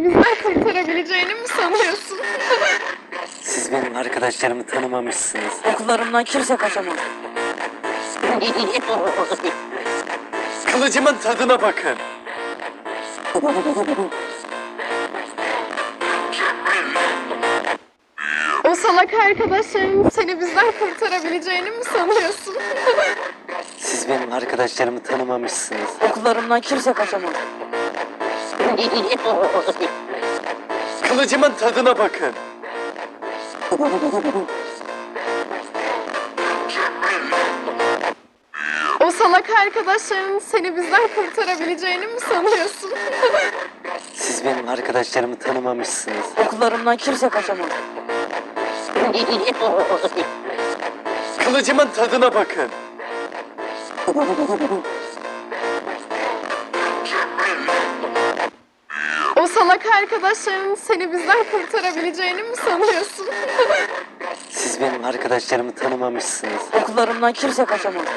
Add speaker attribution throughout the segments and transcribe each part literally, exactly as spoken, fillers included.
Speaker 1: bizden kurtarabileceğini mi sanıyorsun?
Speaker 2: Siz benim arkadaşlarımı tanımamışsınız.
Speaker 3: Okullarımdan kimse kaçamaz.
Speaker 2: Kılıcımın tadına bakın.
Speaker 1: O salak arkadaşların seni bizden kurtarabileceğini mi sanıyorsun?
Speaker 2: Siz benim arkadaşlarımı tanımamışsınız.
Speaker 3: Okullarımdan kimse kaçamaz.
Speaker 2: Kılıcımın tadına bakın.
Speaker 1: O salak arkadaşların seni bizden kurtarabileceğini mi sanıyorsun?
Speaker 2: Siz benim arkadaşlarımı tanımamışsınız.
Speaker 3: Okullarımdan kimse kaçamaz.
Speaker 2: Kılıcımın tadına bakın.
Speaker 1: O salak arkadaşların seni bizden kurtarabileceğini mi sanıyorsun?
Speaker 2: Siz benim arkadaşlarımı tanımamışsınız.
Speaker 3: Okullarımdan kimse kaçamaz.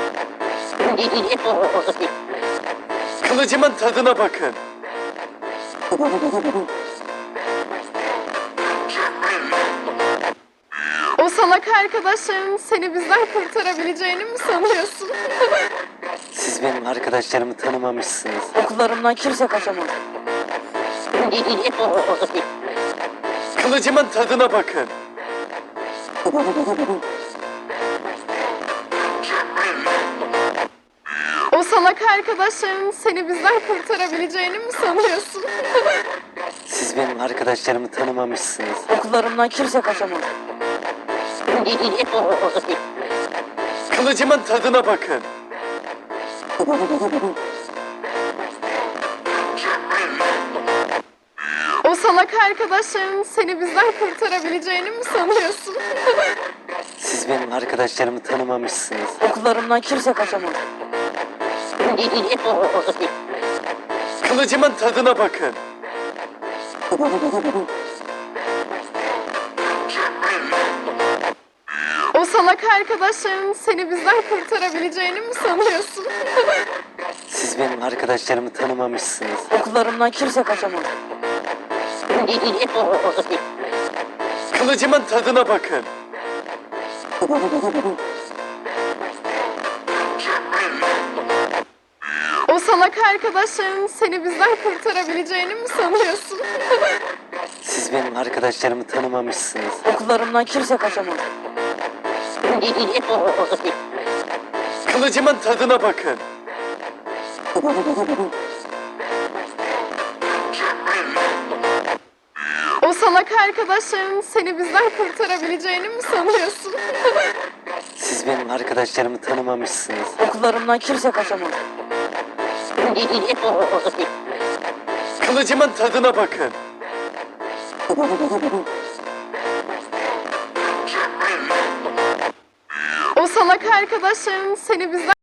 Speaker 2: Kılıcımın tadına bakın.
Speaker 1: O salak arkadaşların seni bizden kurtarabileceğini mi sanıyorsun?
Speaker 2: Siz benim arkadaşlarımı tanımamışsınız.
Speaker 3: Okullarımdan kimse kaçamaz.
Speaker 2: Kılıcımın tadına bakın.
Speaker 1: O salak arkadaşların seni bizden kurtarabileceğini mi sanıyorsun?
Speaker 2: Siz benim arkadaşlarımı tanımamışsınız.
Speaker 3: Okullarımdan kimse kaçamaz.
Speaker 2: Kılıcımın tadına bakın.
Speaker 1: O salak arkadaşların seni bizden kurtarabileceğini mi sanıyorsun?
Speaker 2: Siz benim arkadaşlarımı tanımamışsınız.
Speaker 3: Okullarımdan kimse kaçamaz.
Speaker 2: Kılıcımın tadına bakın.
Speaker 1: O salak arkadaşların seni bizden kurtarabileceğini mi sanıyorsun?
Speaker 2: Siz benim arkadaşlarımı tanımamışsınız.
Speaker 3: Okullarımdan kimse kaçamaz.
Speaker 2: Kılıcımın tadına bakın.
Speaker 1: O salak arkadaşların seni bizden kurtarabileceğini mi sanıyorsun?
Speaker 2: Siz benim arkadaşlarımı tanımamışsınız.
Speaker 3: Okullarımdan kimse kaçamaz.
Speaker 2: Kılıcımın tadına bakın.
Speaker 1: O salak arkadaşların seni bizden kurtarabileceğini mi sanıyorsun?
Speaker 2: Siz benim arkadaşlarımı tanımamışsınız.
Speaker 3: Okullarımdan kimse kaçamaz.
Speaker 2: Kılıcımın tadına bakın.
Speaker 1: O salak arkadaşların seni bizden